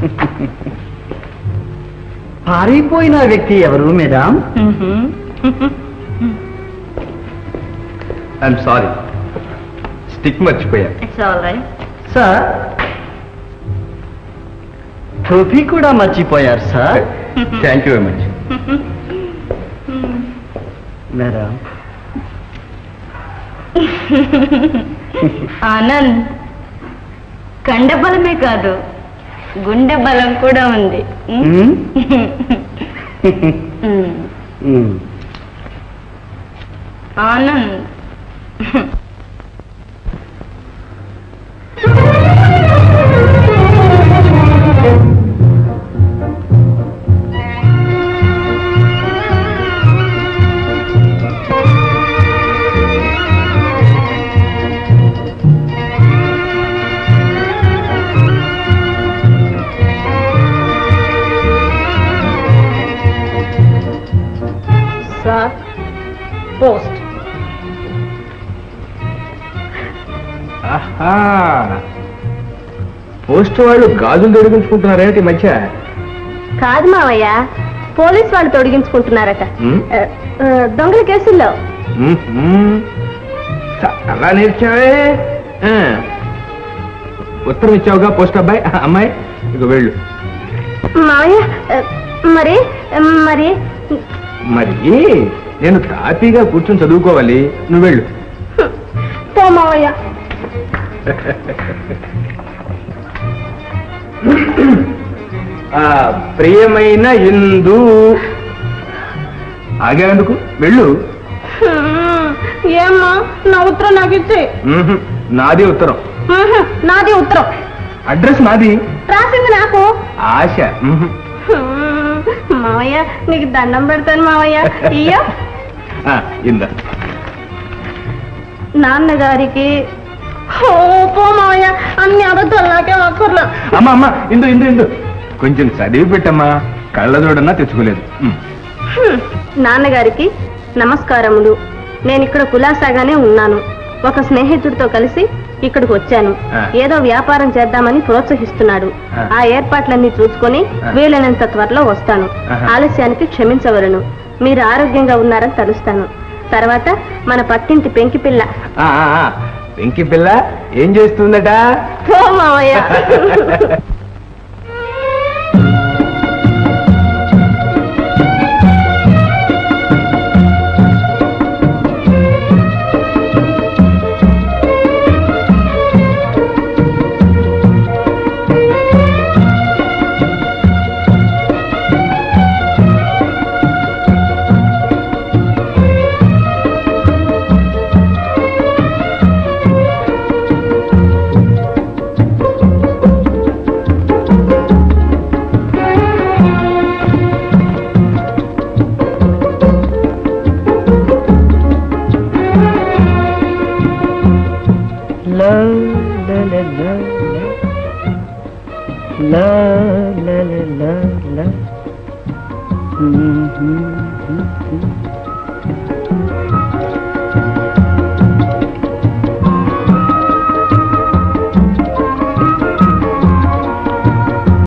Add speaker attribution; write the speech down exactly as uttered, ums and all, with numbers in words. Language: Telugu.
Speaker 1: పారిపోయిన వ్యక్తి ఎవరు మేడం?
Speaker 2: ఐఎమ్ సారీ, స్టిక్ మర్చిపోయా.
Speaker 3: It's all right.
Speaker 1: సార్, టోపీ కూడా మర్చిపోయారు sir.
Speaker 2: Thank you very much.
Speaker 1: Madam,
Speaker 3: Anand, కండబలమే కాదు గుండె బలం కూడా ఉంది.
Speaker 1: మ్మ్?
Speaker 3: మ్మ్.
Speaker 1: మ్మ్.
Speaker 3: Anand, sir, post.
Speaker 2: ఆహా, పోస్ట్ వాళ్ళు గాజులు తొడిగించుకుంటున్నారేంటి ఈ మధ్య?
Speaker 3: కాదు మావయ్య, పోలీస్ వాళ్ళు తొడిగించుకుంటున్నారట.
Speaker 2: మ్మ్?
Speaker 3: ఆ, ఆ, దొంగల కేసుల్లో.
Speaker 2: మ్మ్, మ్మ్. చాలా నేర్చావే. ఆ. ఉత్తరం ఇచ్చావుగా పోస్ట్ అబ్బాయి అమ్మాయి, ఇక వెళ్ళు.
Speaker 3: మావయ్య, ఆ, మరి మరి
Speaker 2: మరి నేను తాపీగా కూర్చొని చదువుకోవాలి, నువ్వు వెళ్ళు.
Speaker 3: పో మావయ్య.
Speaker 2: ఆ, ప్రియమైన ఇందు, ఆగేందుకు వెళ్ళు.
Speaker 3: ఏమ్మా, నా ఉత్తరం నాకు ఇచ్చే.
Speaker 2: మ్మ్హ్. నాది ఉత్తరం.
Speaker 3: నాది ఉత్తరం.
Speaker 2: అడ్రస్ నాది,
Speaker 3: రాసింది నాకు.
Speaker 2: ఆశ. మ్మ్హ్.
Speaker 3: మావయ్య, నీకు దండం పెడతాను మావయ్య. ఇయ్య.
Speaker 2: ఆ, ఇందా.
Speaker 3: నాన్నగారికి. ఓ, పో మావయ్య, అన్ని అబద్ధాలు నాకే అక్కర్లా.
Speaker 2: అమ్మ అమ్మ, ఇందు ఇందు ఇందు కొంచెం చదివి పెట్టమ్మా, కళ్ళజోడన్నా తెచ్చుకోలేదు. మ్మ్.
Speaker 3: హ్మ్. నాన్నగారికి నమస్కారములు. నేను ఇక్కడ కులాసాగానే ఉన్నాను. ఒక స్నేహితుడితో కలిసి ఇక్కడికి వచ్చాను.
Speaker 2: ఆ.
Speaker 3: ఏదో వ్యాపారం చేద్దామని ప్రోత్సహిస్తున్నాడు.
Speaker 2: ఆ.
Speaker 3: ఆ ఏర్పాట్లన్నీ చూసుకొని
Speaker 2: ఆ.
Speaker 3: వీలైనంత త్వరలో వస్తాను.
Speaker 2: ఆహా.
Speaker 3: ఆలస్యానికి క్షమించవలను. మీరు ఆరోగ్యంగా ఉన్నారని తలుస్తాను. తర్వాత మన పట్టింటి పెంకి పిల్ల.
Speaker 2: ఆ, ఆ, ఆ. వెంకి పిల్ల ఏం చేస్తుందట?
Speaker 3: ఓ మావయ్య.
Speaker 1: La la la la la. Mm-hmm.